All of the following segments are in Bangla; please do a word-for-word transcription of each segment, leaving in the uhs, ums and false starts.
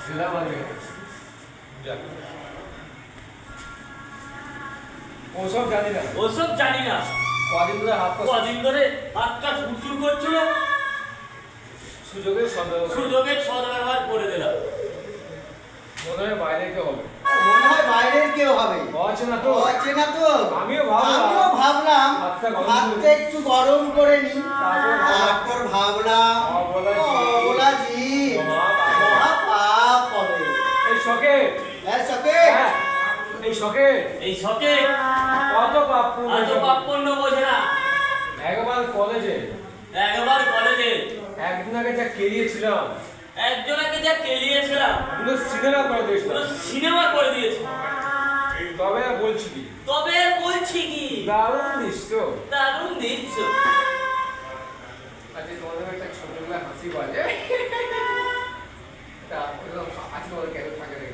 ওসব জানি না ওসব জানি না কদিন ধরে হাত কদিন ধরে হাতটা ফুটফুট করছিল, সুযোগের সদ্ব্যবহার সুযোগের সদ্ব্যবহার করে দিলাম। মনে হয় বাইরে কেউ হবে, মনে হয় বাইরের কেউ হবে, অচেনা তো অচেনা তো। আমিও ভাবলাম আমিও ভাবলাম হাতটা একটু গরম করে নি, তারপর ভাবলাম অবলাজি মহা পাপ হবে। এই শখে হ্যাঁ শখে হ্যাঁ এই শখে এই শখে কত পাপ এত পাপ পুণ্য বোঝে না। একবার কলেজে একবার কলেজে একদিন আগে যা কেরিয়েছিলাম, একজনকে যা কেলিয়েছিলাম পুরো সিনেমা করে পুরো দিয়েছিলাম। সিনেমা করে দিয়েছে। তবে আর বলছি কি, তবে বলছি কি দারুণ দৃশ্য। দারুণ দৃশ্য। আজকে তোমাদের একটা ছোটবেলা হাসি বাজে, তা হাসি বলে কেন থাকে রে?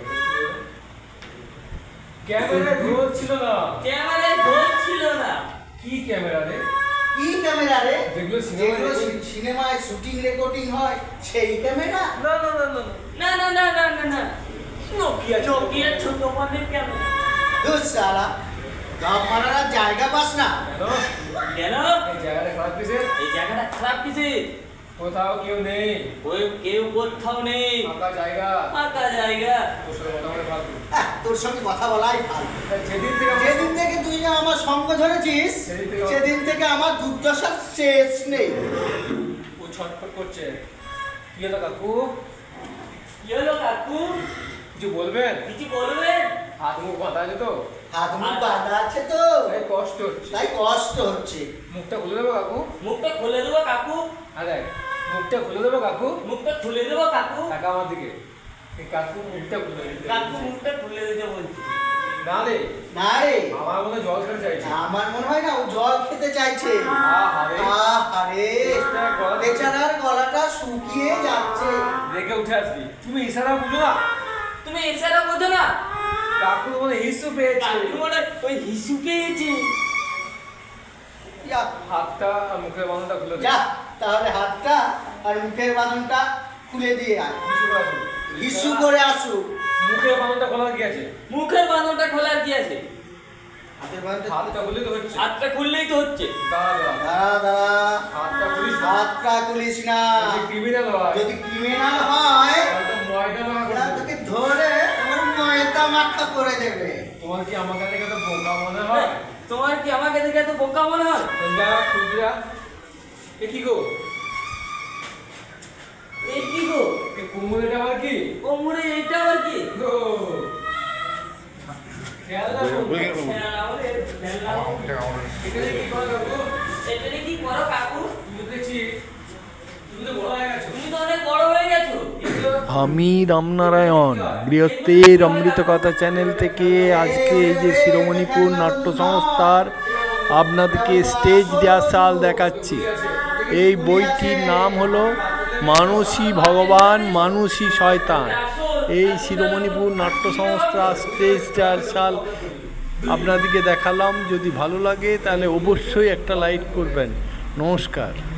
ক্যামেরায় রোল ছিল না, ক্যামেরায় রোল ছিল না। কি ক্যামেরা রে? কি ক্যামেরা রে? যেগুলো যেগুলো সিনেমায় সিনেমায় শুটিং রেকর্ডিং হয় সেই ক্যামেরা? না না না না না না না না না না নোকিয়া নোকিয়া ছোট ফোনের ক্যামেরা। ধুস শালা, গাপ মারার আর জায়গা পাস না। কেন কেন এই জায়গাটা খারাপ কিসে? এই জায়গাটা খারাপ কিসে? কোথাও কেউ নেই, ওই কেউ কোথাও নেই, ফাঁকা জায়গা, ফাঁকা জায়গা। তোর সাথে কথা বলে ভালো। আহ, তোর সঙ্গে কথা বলাই ভালো। তা যেদিন থেকে আমার- যেদিন থেকে তুই যে আমার সঙ্গ ধরেছিস সেদিন থেকে- সেদিন থেকে আমার দুর্দশার শেষ নেই। ও ছটফট করছে। কি হলো কাকু? কি হলো কাকু? কিছু বলবেন? কিছু বলবেন? হাত মুখ বাঁধা আছে তো, হাত মুখ বাঁধা আছে তো, তাই কষ্ট হচ্ছে। তাই কষ্ট হচ্ছে। মুখটা খুলে দেবো কাকু? মুখটা খুলে দেবো কাকু? হ্যাঁ দেখ, মুখটা খুলে দেবো কাকু? মুখটা খুলে দেবো কাকু? টাকা আমার দিকে। এই কাকু মুখটা খুলে দিতে। কাকু মুখটা খুলে দিতে বলছি। না রে, না রে, আমার মনে হয় জল খেতে চাইছে। আমার মনে হয় না ও জল খেতে চাইছে। আহারে, আহারে, বেচারার গলাটা শুকিয়ে যাচ্ছে। রেখে উঠে আসবি। তুমি ইশারা বুঝো না? তুমি এছাড়া বোঝো না? কাকু মনে হিসু পেয়েছে। কাকু মনে হয় ওই হিসু পেয়েছে। যা, হাতটা আর মুখের বাঁধনটা খুলে দে। যা তাহলে হাতটা আর মুখের বাঁধনটা খুলে দিয়ে আয়। হিসু করে আসুক। হিসু করে আসুক। মুখের বাঁধনটা খোলা কি আছে? মুখের বাঁধনটা খোলার কি আছে? হাতের বাঁধনটা হাতটা খুলে তো হচ্ছে। হাতটা খুললেই তো হচ্ছে। দাঁড়া দাঁড়া। দাঁড়া দাঁড়া, হাতটা খুলিস না। হাতটা খুলিস না। যদি ক্রিমিনাল হয়, যদি ক্রিমিনাল হয় তাহলে তো ময়দা মাখা করে ওরা দেবে। তোকে ধরে আমার ময়দা মাখা করে দেবে। তোমার কি আমার কাছে কত বোকা মনে হয়? তোমার কি আমাকে দেখে এত বোকা মনে হয়? যা খুলতে যা। এ কি গো? এই কি গো? এ কুমুরেটা আবার কি? কোমরে এইটা আবার কি? গো। খেয়াল রাখো। খেলা বলে, খেলা বলে। এখানে কি করো কাকু? এটারে কি করো কাকু? তুমি তো দেখছি, তুমি তো বড় হয়ে গেছো। তুমি তো অনেক বড় হয়ে গেছো। আমি রামনারায়ণ বৃহত্তের অমৃত কথা চ্যানেল থেকে আজকে এই যে শিরোমণিপুর নাট্য সংস্থার আপনাদেরকে স্টেজ রিহার্সাল দেখাচ্ছি। এই বইটির নাম হলো মানুষই ভগবান মানুষই শয়তান। এই শিরোমণিপুর নাট্য সংস্থা স্টেজ রিহার্সাল আপনাদেরকে দেখালাম। যদি ভালো লাগে তাহলে অবশ্যই একটা লাইক করবেন। নমস্কার।